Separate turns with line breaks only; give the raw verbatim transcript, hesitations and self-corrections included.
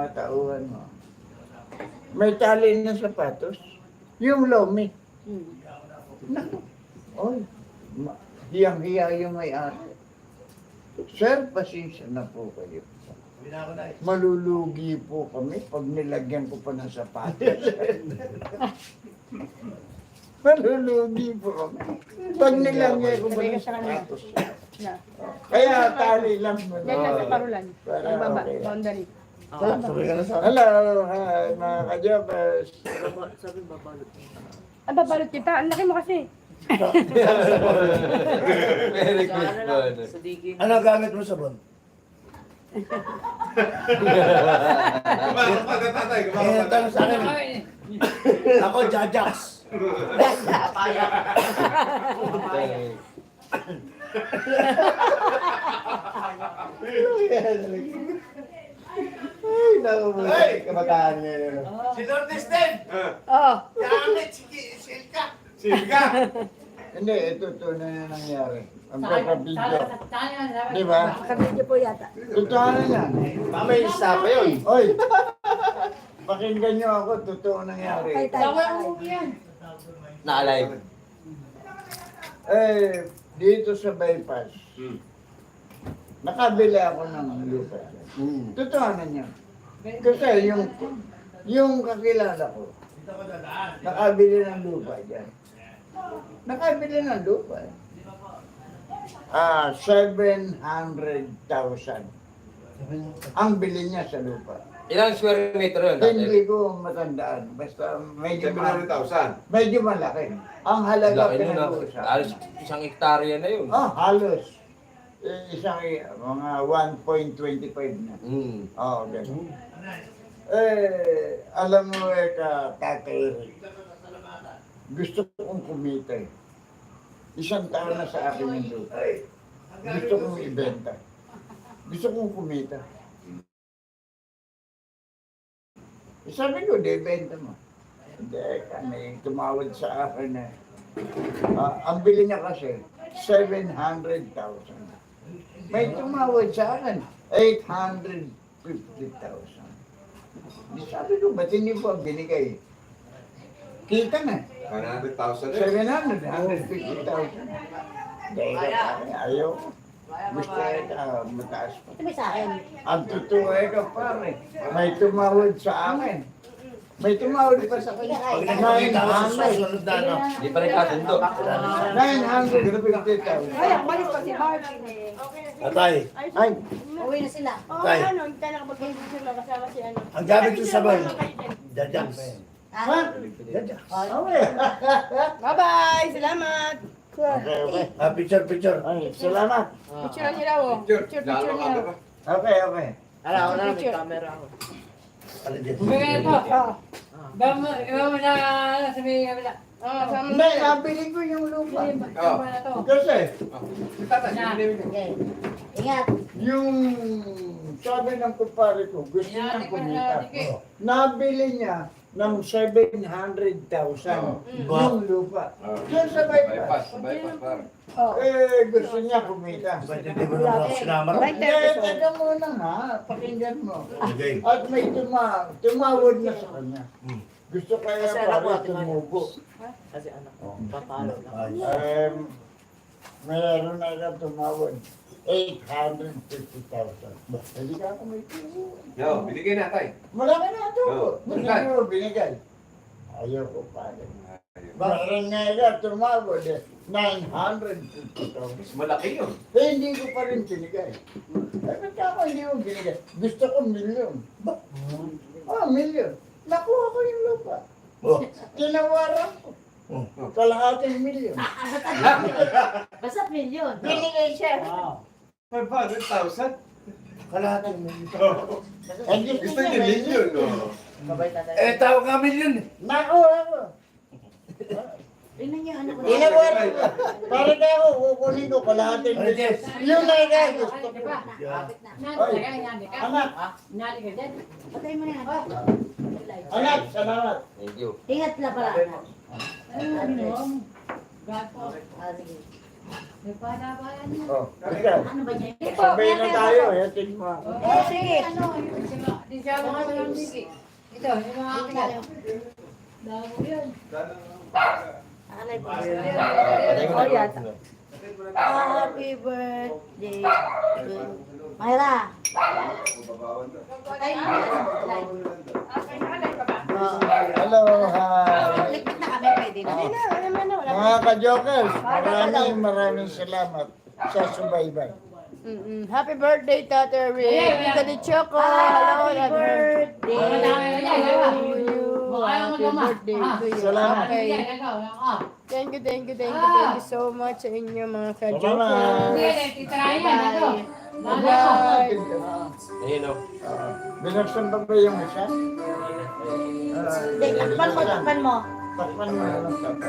tinatauhan mo. May tali na sapatos. Yung lomi.
Hmm.
Naku. Oy. ma- Hiyang-hiya yung may-ari. Sir, pasensya na po kayo. Malulugi po kami pag nilagyan ko pa ng sapatos. Malulugi po kami. Pag nilagyan ko pa ng sapatos.
Na.
Kaya tali lang mo.
Yan lang sa parulan.
Para
Ang baba,
okay.
boundary.
Hello, hi, mga kajabas.
Sabi babalot.
Ah, babalot kita. Ang laki mo kasi.
Very good po.
Sa digi.
Ano gamit mo sabon?
Kumakapag ka tatay,
Eh,
kumakapag
tanong sa akin. Ako, Jajax.
Ay, naku mo.
Hey!
Kamag-ahan niya yun.
Si Lourdes din.
Oo.
Gamit si Silka.
Silka!
Hindi, ito tunay na nangyari. Ang papabidyo. Di ba?
Kabidyo po yata.
Totoo na yan.
Mamay isa pa yun.
Oy! Pakinggan niyo ako, totoo nangyari.
Kay tayo.
Na-alive.
Eh, dito sa bypass,
Hmm.
nakabili ako ng lupa.
Hmm.
Totoo na niya. Kasi yung, yung kakilala ko, nakabili ng lupa dyan. Nakabili ng lupa. Ah, seven hundred thousand. Ang bili niya sa lupa.
Ilang square meter yun? tatay?
Hindi ko matandaan. Basta medyo,
seven hundred thousand.
medyo malaki. Ang halaga
Laki nun na.
pinag-uusapan.
Halos isang hektarya na yun.
Ah, halos. Eh, Isang mga one point two five na.
Hmm.
Oo, oh, gano'n. Eh, alam mo eh, ka, Tatay Eric, gusto kong kumita eh. Isang taon na sa akin yung lupa. Gusto kong ibenta. Gusto kong kumita. Eh, sabi ko, di benta mo. Hindi, may tumawad sa akin eh. Ah, ang bili niya kasi, seven hundred thousand. May tumawad sa akin, eight hundred fifty thousand. Di sabi ko, ba't hindi po ang binigay? Kita na.
one hundred thousand eh.
seven hundred, one hundred fifty thousand. Dahil ayaw. Gusto ka mataas pa.
Ito may sa akin.
Ang totoo eh ka pare, may tumawad sa akin. May tumawad pa sa kanya.
Pag
nine
nakakita ko sa
hundred.
susunod na ano.
Hindi pa rin kasundo.
nine hundred fifty thousand.
Ay, ang malis pa si Bart.
Tatay,
Ay,
Uwi na sila. Oo,
Tay.
ano, hindi tayo nakapag-ibig sila kasama si ano.
ang gamit mo sabon. Jajax.
ha?
Jajax.
Okay.
Bye-bye! Salamat!
Okay, okay.
Ah, picture, picture.
Ay, salamat.
Picture nila oh.
Picture.
Picture,
Lalo
picture
ka
nila.
ba?
Okay, okay.
Ala, ako na, may
Picture.
camera ako.
Alin din.
Ah.
Bam, iba mo na sabi nga bila.
Ah, sama
Hindi, nabili ko yung lupa.
Tama na to.
Kasi,
Tatay,
Na.
hindi mo.
Okay. Ingat.
yung sabi ng kumpare ko, gusto
Yan,
niyang
ikaw na
kumita.
dike.
Nabili niya ng seven hundred thousand
Oh.
yung lupa.
Oh.
Yan sa bypass.
Bypass, bypass par.
Oh.
Eh, gusto niya kumita.
Ba't hindi mo naman ako sinama?
Right
Hindi,
there, so.
teka muna nga, pakinggan mo.
Okay.
At may tuma tumawad na sa kanya.
Hmm.
Gusto kaya
Kasi anak ko,
pare
ate Maya.
tumubo.
Kasi anak ko, papalo lang.
Ayos.
Um, mayroon na lang tumawad. eight hundred fifty thousand. Hindi ka ako may tubo.
Yo, binigay na tay.
Malaki na ito.
Oo.
Binigay mo, binigay. Ayaw ko pa. Mayroon nga nga tumawad eh. nine hundred fifty thousand.
Mas malaki yun.
Eh, hindi ko pa rin binigay. Eh, ba't ako hindi ko binigay? Gusto ko milyon. Ah, milyon. Nakuha ko yung lupa.
Oh.
Tinawaran ko.
Oh.
Kalahating milyon.
Basta milyon.
Binigay siya.
five hundred thousand?
Kalahati mo.
Eh, gusto
Gusto
niya
niya million, no?
Babay tatay.
Eh, tawag ka milyon eh.
Nakuha ko.
Tingnan niyo, ano ko.
Tinawaran ko. Para kaya ako, kukunin ko kalahating
Ano,
milyon.
Jess?
Yung nagay gusto
Ay,
ko.
di ba?
Yeah.
Nadi ka, nadi ka.
Anak,
Nadi ka dyan.
Patay mo na yan.
anak, salamat.
Thank you.
Ingat lang pala.
Ano? Gato.
Ah, sige.
May panabayan niya.
Oh, ikaw.
Ano ba niya?
Sabay na tayo, yatin mo ako.
Eh, sige. Ano, yung sila- di siya mga walang sige. Ito, yung mga akin na. Damo yun.
Alay po.
Oh, yan.
Happy birthday. Mayra.
Ay,
Hello, hi.
Likit na kami, pwede na.
Wala, wala naman na, wala.
Mga ka-jokers, maraming maraming salamat sa subaybay.
Mm-mm. Happy birthday, Tata Rick.
Yeah, yeah.
Tita de Choco. Hello,
Happy
happy birthday.
birthday.
to you.
Mukha yung
Happy
magama.
birthday
Ah.
to you.
Salamat.
Okay.
Yan, ikaw, ah.
Thank you, thank you, thank you, thank you so much sa inyo mga
Salamat.
ka-jokers.
Sige, titirahin yan, ito.
Bye.
Ayun o.
Binuksan pa ba yung isa?
Hindi, takpan mo, takpan mo.
Takpan mo.